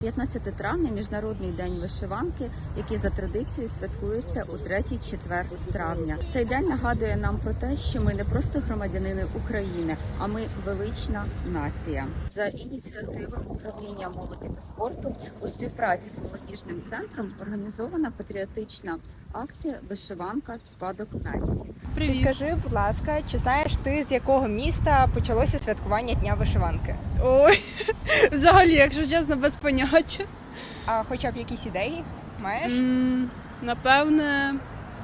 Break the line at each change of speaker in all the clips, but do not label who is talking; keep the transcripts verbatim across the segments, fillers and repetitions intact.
п'ятнадцяте травня – Міжнародний день вишиванки, який за традицією святкується у третій четвер травня. Цей день нагадує нам про те, що ми не просто громадянини України, а ми велична нація. За ініціативи управління молоді та спорту у співпраці з молодіжним центром організована патріотична акція «Вишиванка. Спадок нації».
Привіт.
Скажи, будь ласка, чи знаєш ти, з якого міста почалося святкування Дня вишиванки?
Ой, взагалі, якщо чесно, без поняття.
А хоча б якісь ідеї маєш?
М, Напевне,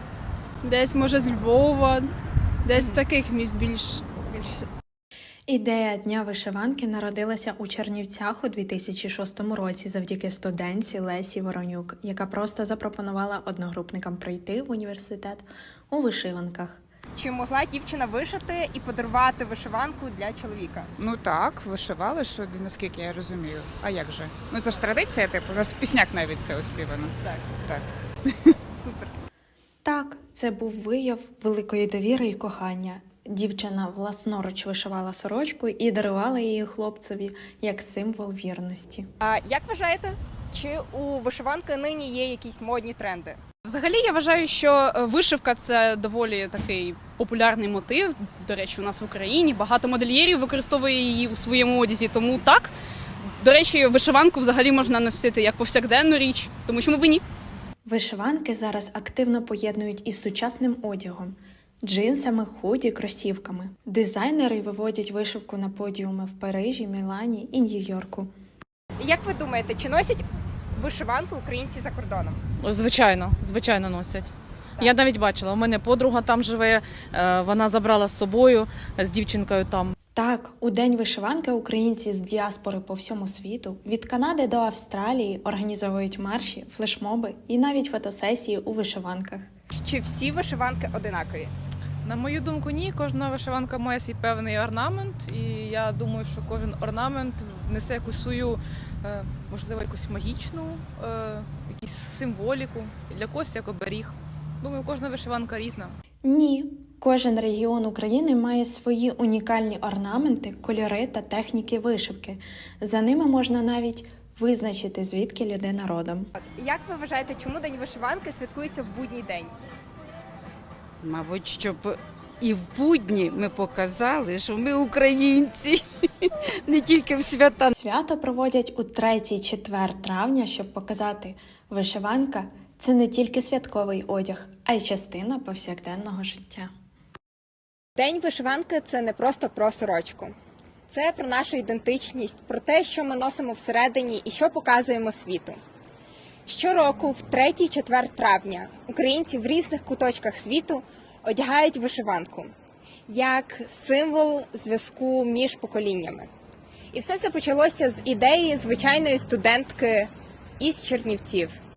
десь може з Львова, десь з таких міст більш.
Більше.
Ідея Дня вишиванки народилася у Чернівцях у дві тисячі шостому році завдяки студентці Лесі Воронюк, яка просто запропонувала одногрупникам прийти в університет у вишиванках.
Чи могла дівчина вишити і подарувати вишиванку для чоловіка?
Ну так, вишивали, що наскільки я розумію. А як же? Ну це ж традиція, типу, у нас в піснях навіть це оспівано.
Так.
Так.
Супер.
Так, це був вияв великої довіри і кохання. Дівчина власноруч вишивала сорочку і дарувала її хлопцеві як символ вірності.
А як вважаєте, чи у вишиванки нині є якісь модні тренди?
Взагалі, я вважаю, що вишивка – це доволі такий популярний мотив. До речі, у нас в Україні багато модельєрів використовує її у своєму одязі, тому так. До речі, вишиванку взагалі можна носити як повсякденну річ, тому чому б і ні?
Вишиванки зараз активно поєднують із сучасним одягом – джинсами, худі, кросівками. Дизайнери виводять вишивку на подіуми в Парижі, Мілані і Нью-Йорку.
Як ви думаєте, чи носять вишиванку українці за кордоном?
Звичайно, звичайно носять. Я навіть бачила, у мене подруга там живе, е, вона забрала з собою з дівчинкою там.
Так, у День вишиванки українці з діаспори по всьому світу, від Канади до Австралії, організовують марші, флешмоби і навіть фотосесії у вишиванках.
Чи всі вишиванки одинакові?
На мою думку, ні, кожна вишиванка має свій певний орнамент, і я думаю, що кожен орнамент несе якусь свою, е, можливо, якусь магічну, е, якусь символіку, для когось як оберіг. Думаю, кожна вишиванка різна.
Ні, кожен регіон України має свої унікальні орнаменти, кольори та техніки вишивки. За ними можна навіть визначити, звідки людина родом.
Як ви вважаєте, чому День вишиванки святкується в будній день?
Мабуть, щоб і в будні ми показали, що ми українці, не тільки в свята.
Свято проводять у третій четвер травня, щоб показати, вишиванка – це не тільки святковий одяг, а й частина повсякденного життя.
День вишиванки – це не просто про сорочку. Це про нашу ідентичність, про те, що ми носимо всередині і що показуємо світу. Щороку, в третій четвер травня, українці в різних куточках світу одягають вишиванку як символ зв'язку між поколіннями. І все це почалося з ідеї звичайної студентки із Чернівців.